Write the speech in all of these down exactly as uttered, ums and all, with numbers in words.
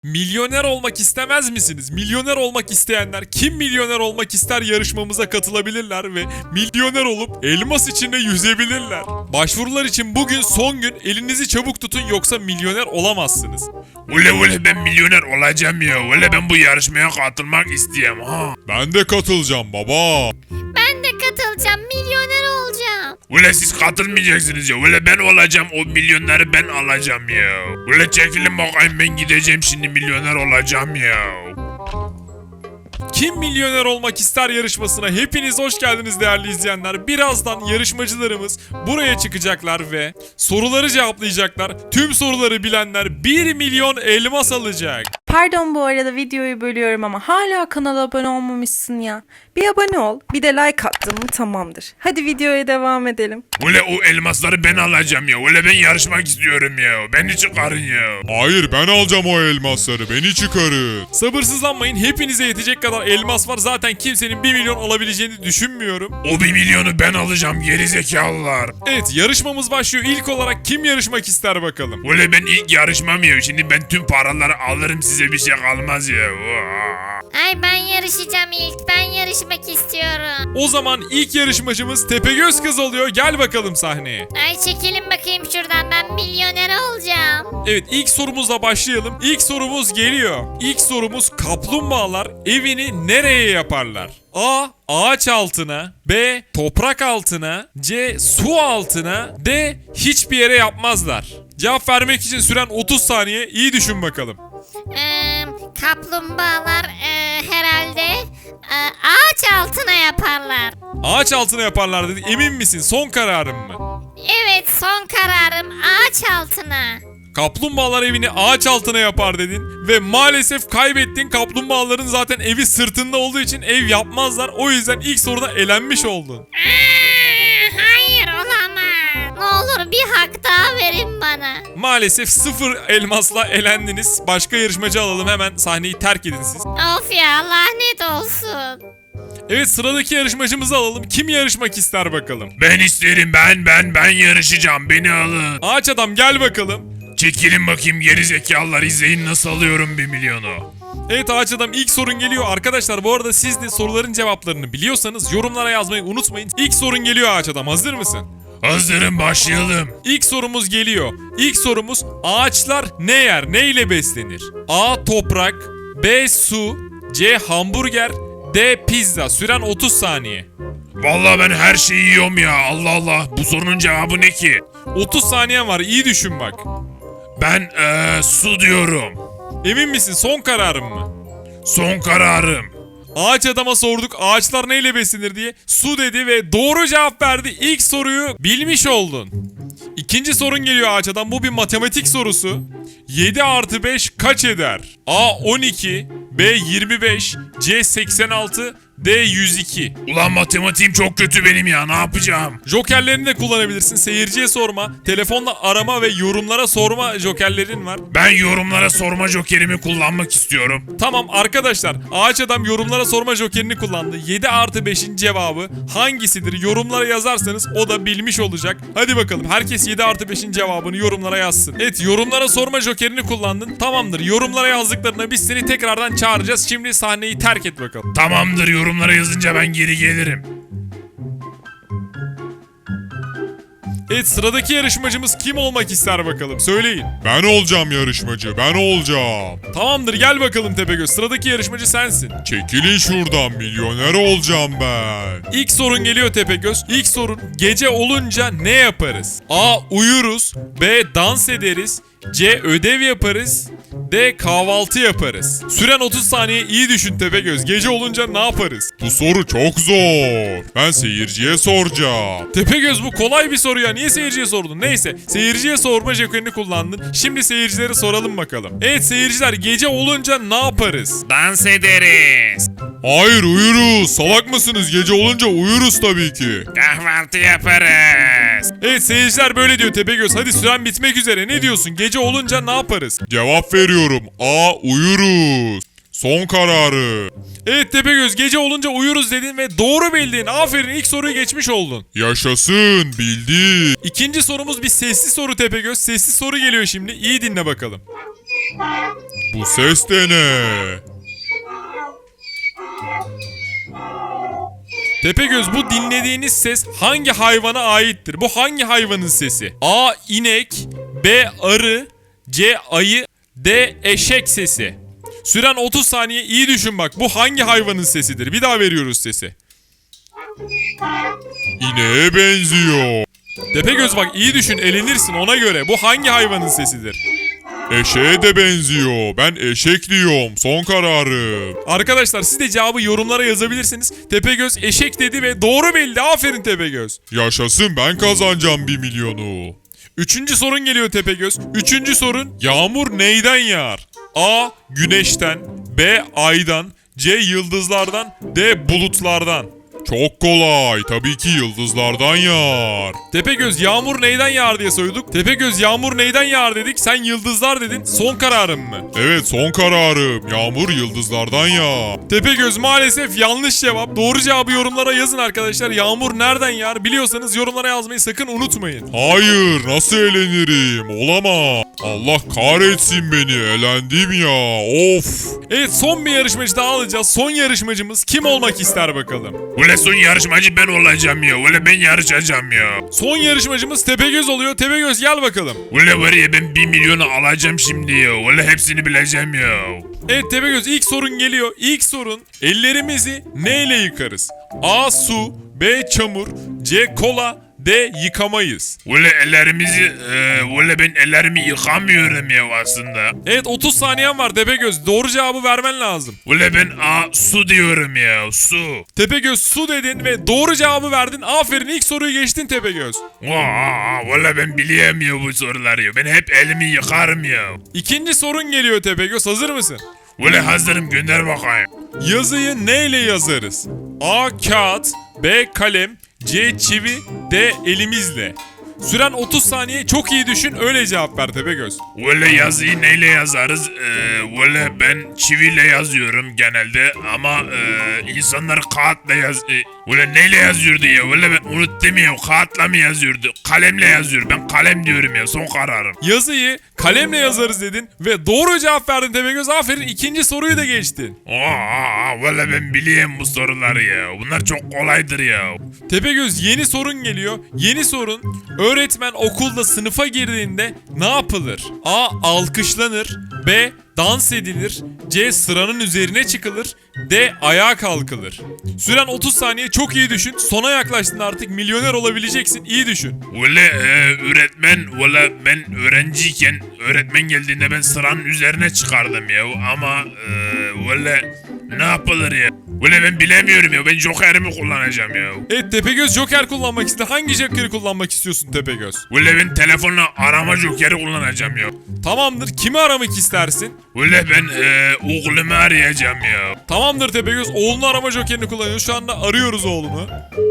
Milyoner olmak istemez misiniz? Milyoner olmak isteyenler kim milyoner olmak ister yarışmamıza katılabilirler ve milyoner olup elmas içinde yüzebilirler. Başvurular için bugün son gün, elinizi çabuk tutun yoksa milyoner olamazsınız. Ule ule ben milyoner olacağım ya. Ule ben bu yarışmaya katılmak istiyorum ha. Ben de katılacağım baba. Ben de katılacağım, milyoner olacağım. Ule siz katılmayacaksınız ya. Ule ben olacağım, o milyonları ben alacağım ya. Ule çekilin bakayım, ben gideceğim şimdi milyoner olacağım ya. Kim milyoner olmak ister yarışmasına hepiniz hoş geldiniz değerli izleyenler. Birazdan yarışmacılarımız buraya çıkacaklar ve soruları cevaplayacaklar. Tüm soruları bilenler bir milyon elmas alacak. Pardon bu arada videoyu bölüyorum ama hala kanala abone olmamışsın ya. Bir abone ol, bir de like attın mı tamamdır. Hadi videoya devam edelim. Ule o elmasları ben alacağım ya. Ule ben yarışmak istiyorum ya. Beni çıkarın ya. Hayır, ben alacağım o elmasları, beni çıkarın. Sabırsızlanmayın, hepinize yetecek kadar elmas var. Zaten kimsenin bir milyon alabileceğini düşünmüyorum. O bir milyonu ben alacağım gerizekalılar. Evet, yarışmamız başlıyor. İlk olarak kim yarışmak ister bakalım. Ule ben ilk yarışmam ya. Şimdi ben tüm paraları alırım, size bir şey kalmaz ya. Ay ben yarışacağım ilk, ben yarışmak istiyorum. O zaman ilk yarışmacımız Tepegöz Kız oluyor. Gel bakalım sahneye. Ay çekilin bakayım şuradan, ben milyoner olacağım. Evet, ilk sorumuzla başlayalım. İlk sorumuz geliyor. İlk sorumuz, kaplumbağalar evini nereye yaparlar? A. Ağaç altına. B. Toprak altına. C. Su altına. D. Hiçbir yere yapmazlar. Cevap vermek için süren otuz saniye. İyi düşün bakalım. Ee, kaplumbağalar e, herhalde e, ağaç altına yaparlar. Ağaç altına yaparlar dedi. Emin misin? Son kararın mı? Evet, son kararım ağaç altına. Kaplumbağalar evini ağaç altına yapar dedin ve maalesef kaybettin. Kaplumbağaların zaten evi sırtında olduğu için ev yapmazlar. O yüzden ilk soruda elenmiş oldun. Aa, hayır olamaz. Ne olur bir hak daha verin bana. Maalesef sıfır elmasla elendiniz. Başka yarışmacı alalım, hemen sahneyi terk edin siz. Of ya, lanet olsun. Evet, sıradaki yarışmacımızı alalım. Kim yarışmak ister bakalım? Ben isterim, ben ben ben yarışacağım, beni alın. Ağaç adam gel bakalım. Çekilin bakayım gerizekalılar, izleyin nasıl alıyorum bir milyonu. Evet Ağaç adam, ilk sorun geliyor. Arkadaşlar bu arada siz de soruların cevaplarını biliyorsanız yorumlara yazmayı unutmayın. İlk sorun geliyor Ağaç adam, hazır mısın? Hazırım, başlayalım. İlk sorumuz geliyor. İlk sorumuz, ağaçlar ne yer, ne ile beslenir? A. Toprak. B. Su. C. Hamburger. D. Pizza. Süren otuz saniye. Vallahi ben her şeyi yiyorum ya, Allah Allah. Bu sorunun cevabı ne ki? otuz saniyen var, iyi düşün bak. Ben eee su diyorum. Emin misin, son kararın mı? Son kararım. Ağaç adama sorduk ağaçlar neyle beslenir diye. Su dedi ve doğru cevap verdi. İlk soruyu bilmiş oldun. İkinci sorun geliyor Ağaç adam. Bu bir matematik sorusu. yedi artı beş kaç eder? A. on iki. B. yirmi beş. C. seksen altı. D. yüz iki. Ulan matematiğim çok kötü benim ya, ne yapacağım? Jokerlerini de kullanabilirsin. Seyirciye sorma, telefonla arama ve yorumlara sorma jokerlerin var. Ben yorumlara sorma jokerimi kullanmak istiyorum. Tamam arkadaşlar, Ağaç adam yorumlara sorma jokerini kullandı. yedi artı beşin cevabı hangisidir? Yorumlara yazarsanız o da bilmiş olacak. Hadi bakalım, herkes yedi artı beşin cevabını yorumlara yazsın. Evet, yorumlara sorma jokerini kullandın. Tamamdır, yorumlara yazdıklarına biz seni tekrardan çağıracağız. Şimdi sahneyi terk et bakalım. Tamamdır, yorumlara yazınca ben geri gelirim. Evet, sıradaki yarışmacımız kim olmak ister bakalım, söyleyin. Ben olacağım yarışmacı, ben olacağım. Tamamdır, gel bakalım Tepegöz, sıradaki yarışmacı sensin. Çekilin şuradan, milyoner olacağım ben. İlk sorun geliyor Tepegöz. İlk sorun, gece olunca ne yaparız? A. Uyuruz. B. Dans ederiz. C. Ödev yaparız. D. Kahvaltı yaparız. Süren otuz saniye, iyi düşün Tepegöz. Gece olunca ne yaparız? Bu soru çok zor. Ben seyirciye soracağım. Tepegöz, bu kolay bir soru ya. Niye seyirciye sordun? Neyse, seyirciye sorma jokerini kullandın. Şimdi seyircilere soralım bakalım. Evet seyirciler, gece olunca ne yaparız? Dans ederiz. Hayır, uyuruz. Salak mısınız? Gece olunca uyuruz tabii ki. Kahvaltı yaparız. Evet seyirciler böyle diyor Tepegöz. Hadi süren bitmek üzere. Ne diyorsun? Gece olunca ne yaparız? Cevap veriyorum. A. Uyuruz. Son kararı. Evet Tepegöz, gece olunca uyuruz dedin ve doğru bildin. Aferin, ilk soruyu geçmiş oldun. Yaşasın, bildik. İkinci sorumuz bir sesli soru Tepegöz. Sesli soru geliyor şimdi. İyi dinle bakalım. Bu ses de ne? Tepegöz, bu dinlediğiniz ses hangi hayvana aittir? Bu hangi hayvanın sesi? A. İnek, B. Arı, C. Ayı, D. Eşek sesi. Süren otuz saniye, iyi düşün bak. Bu hangi hayvanın sesidir? Bir daha veriyoruz sesi. İneğe benziyor. Tepegöz bak, iyi düşün, elenirsin ona göre. Bu hangi hayvanın sesidir? Eşeğe de benziyor. Ben eşek diyorum. Son kararım. Arkadaşlar, siz de cevabı yorumlara yazabilirsiniz. Tepegöz eşek dedi ve doğru bildi. Aferin Tepegöz. Yaşasın, ben kazanacağım bir milyonu. Üçüncü sorun geliyor Tepegöz. Üçüncü sorun, yağmur neyden yağar? A. Güneşten, B. Aydan, C. Yıldızlardan, D. Bulutlardan. Çok kolay. Tabii ki yıldızlardan yağar. Tepegöz, yağmur neyden yağar diye sorduk. Tepegöz, yağmur neyden yağar dedik. Sen yıldızlar dedin. Son kararın mı? Evet, son kararım. Yağmur yıldızlardan yağar. Tepegöz, maalesef yanlış cevap. Doğru cevabı yorumlara yazın arkadaşlar. Yağmur nereden yağar? Biliyorsanız yorumlara yazmayı sakın unutmayın. Hayır, nasıl eğlenirim? Olamaz. Allah kahretsin beni. Elendim ya. Of. Evet, son bir yarışmacı daha alacağız. Son yarışmacımız kim olmak ister bakalım? Ule son yarışmacı ben olacağım ya. Ule ben yarışacağım ya. Son yarışmacımız Tepegöz oluyor. Tepegöz, gel bakalım. Ule var ya, ben bir milyonu alacağım şimdi ya. Ule hepsini bileceğim ya. Evet Tepegöz, ilk sorun geliyor. İlk sorun, ellerimizi neyle yıkarız? A. Su, B. Çamur, C. Kola, D. Yıkamayız. Ule ellerimizi... E, ule ben ellerimi yıkamıyorum ya aslında. Evet, otuz saniyen var Tepegöz. Doğru cevabı vermen lazım. Ule ben a, su diyorum ya. Su. Tepegöz, su dedin ve doğru cevabı verdin. Aferin, ilk soruyu geçtin Tepegöz. Aa, ule ben biliyorum ya bu soruları ya. Ben hep elimi yıkarım ya. İkinci sorun geliyor Tepegöz. Hazır mısın? Ule hazırım, gönder bakayım. Yazıyı neyle yazarız? A. Kağıt, B. Kalem, C. Çivi, D. Elimizle. Süren otuz saniye, çok iyi düşün, öyle cevap ver Tepegöz. Ule yazıyı neyle yazarız? Ee, ule ben çiviyle yazıyorum genelde ama e, insanlar kağıtla yaz... E, ule neyle yazıyordu ya? Ule ben unuttum ya, kağıtla mı yazıyordu? Kalemle yazıyor, ben kalem diyorum ya, son kararım. Yazıyı kalemle yazarız dedin ve doğru cevap verdin Tepegöz. Aferin, ikinci soruyu da geçtin. Aa, ule ben biliyorum bu soruları ya. Bunlar çok kolaydır ya. Tepegöz, yeni sorun geliyor. Yeni sorun, öğretmen okulda sınıfa girdiğinde ne yapılır? A. Alkışlanır, B. Dans edilir, C. Sıranın üzerine çıkılır, D. Ayağa kalkılır. Süren otuz saniye, çok iyi düşün. Sona yaklaştın artık, milyoner olabileceksin, iyi düşün. Ule e, öğretmen, ule ben öğrenciyken öğretmen geldiğinde ben sıranın üzerine çıkardım ya. Ama e, ule ne yapılır ya? Ule ben bilemiyorum ya, ben jokerimi kullanacağım ya. Evet Tepegöz, joker kullanmak istedi. Hangi jokeri kullanmak istiyorsun Tepegöz? Ule ben telefonla arama jokeri kullanacağım ya. Tamamdır, kimi aramak istersin? Ule ben e, oğlumu arayacağım ya. Tamamdır Tepegöz, oğlunu arama jokerini kullanıyor. Şu anda arıyoruz oğlunu.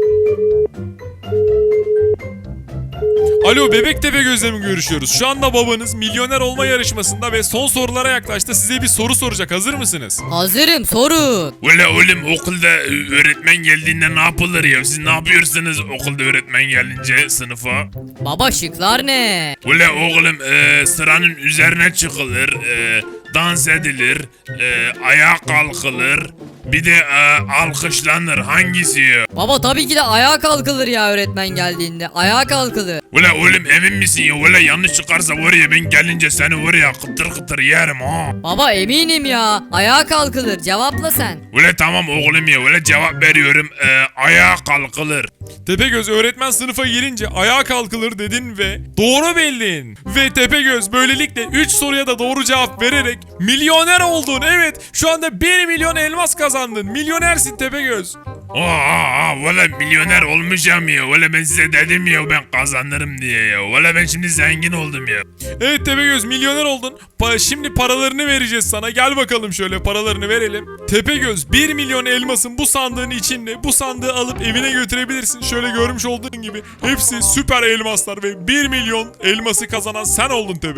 Alo, Bebek Tepegöz'le mi görüşüyoruz? Şu anda babanız milyoner olma yarışmasında ve son sorulara yaklaştı. Size bir soru soracak. Hazır mısınız? Hazırım, sorun. Ule oğlum, okulda e, öğretmen geldiğinde ne yapılır ya? Siz ne yapıyorsunuz okulda öğretmen gelince sınıfa? Baba, şıklar ne? Ule oğlum e, sıranın üzerine çıkılır, e, dans edilir, e, ayağa kalkılır, bir de e, alkışlanır. Hangisi ya? Baba, tabii ki de ayağa kalkılır ya öğretmen geldiğinde. Ayağa kalkılır. Ule oğlum, emin misin ya? Ule yanlış çıkarsa var ya, ben gelince seni var ya kıtır kıtır yerim ha. Baba, eminim ya. Ayağa kalkılır. Cevapla sen. Ule tamam oğlum ya, ule cevap veriyorum, e, ayağa kalkılır. Tepegöz, öğretmen sınıfa girince ayağa kalkılır dedin ve doğru bildin. Ve Tepegöz, böylelikle üç soruya da doğru cevap vererek milyoner oldun. Evet, şu anda bir milyon elmas kazandın. Milyonersin Tepegöz. Aa, valla milyoner olmuşum ya. Valla ben size dedim ya, ben kazanırım diye ya. Valla ben şimdi zengin oldum ya. Evet Tepegöz, milyoner oldun. Pa- şimdi paralarını vereceğiz sana. Gel bakalım, şöyle paralarını verelim. Tepegöz, bir milyon elmasın bu sandığın içinde. Bu sandığı alıp evine götürebilirsin. Şöyle görmüş olduğun gibi hepsi süper elmaslar ve bir milyon elması kazanan sen oldun Tepegöz.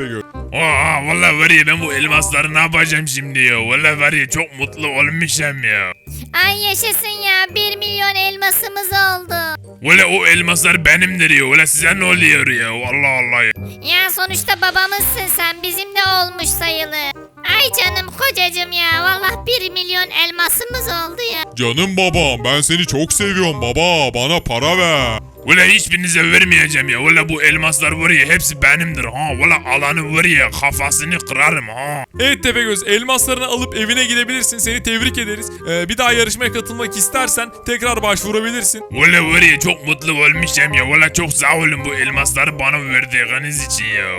Aa valla var ya ben bu elmasları ne yapacağım şimdi ya. Valla var ya çok mutlu olmuşum ya. Ay yaşasın ya bir milyon elmasımız oldu. Valla o elmaslar benimdir ya. Valla size ne oluyor ya. Allah Allah ya. Ya sonuçta babamızsın sen bizim de olmuş sayılır. Ay canım kocacığım ya vallahi bir milyon elmasımız oldu ya. Canım babam, ben seni çok seviyorum baba. Bana para ver. Valla hiçbirinize vermeyeceğim ya. Valla bu elmaslar var ya hepsi benimdir ha. Valla alanı var ya kafasını kırarım ha. Evet Tepegöz, elmaslarını alıp evine gidebilirsin. Seni tebrik ederiz. Ee, bir daha yarışmaya katılmak istersen tekrar başvurabilirsin. Valla var ya çok mutlu olmuşum ya. Valla çok sağ olun bu elmasları bana verdiğiniz için ya.